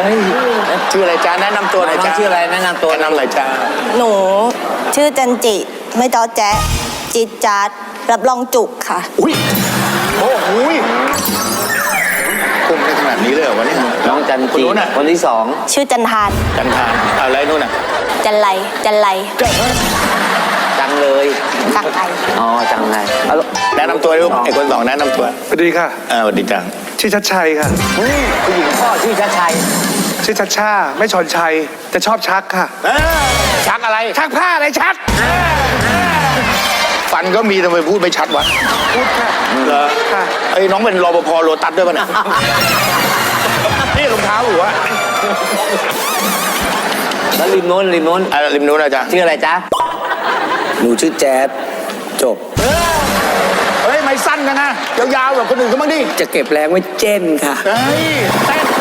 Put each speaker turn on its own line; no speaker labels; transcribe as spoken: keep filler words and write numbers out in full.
ฮ้ยชื่ออะไรจ้าแนะนำตัวหน่อยจ้าชื่ออะไรแนะนำตัวแนะนำหน่อยจ้า
หนูชื่อจันจิไม่ต้อแจ๊ะจิตจัดรับรองจุกค่ะ
อุ้ยโอ้โหคุมได้ขนาดนี้เลยเหรอวะเนี่ยน้องจันจีคนที่สอง
ชื่อจันทาน
จันทานอะไรนู่นน่ะ
จันไรจันไร
จังเลย
จังไร
อ๋อจังเลยแนะนำตัวลูกไอ้คนสองแนะนำตัว
สวัสดีค่ะ
อ่าสวัสดีจัง
ชื่อชัดชัยค่ะ
ผู้หญิงพ่อชื่อชัดชัย
ชื่อชัดชาไม่ชอนชัยแต่ชอบชักค่ะ
ชักอะไร
ชักผ้าอะไรชัก
ฟันก็มีทำไมพูดไม่ชัดวะ
พูดค่ะ
เหรอ
ค่ะ
ไอ้น้องเป็นรปภโลตัสด้วยป่ะเนี่ยนี่รองเท้าหรือวะ
แล้วริมโน้นริมโน้น
อ่ะริมนู้นนะจ๊ะ
ชื่ออะไรจ๊ะ
หนูชื่อแจ๊ดจบ
เฮ้ยไม่สั้นกันนะยาวๆแบบคนอื่นก็บ้างดิ
จะเก็บแรงไว้เจนค่ะ
เฮ้ยเต้น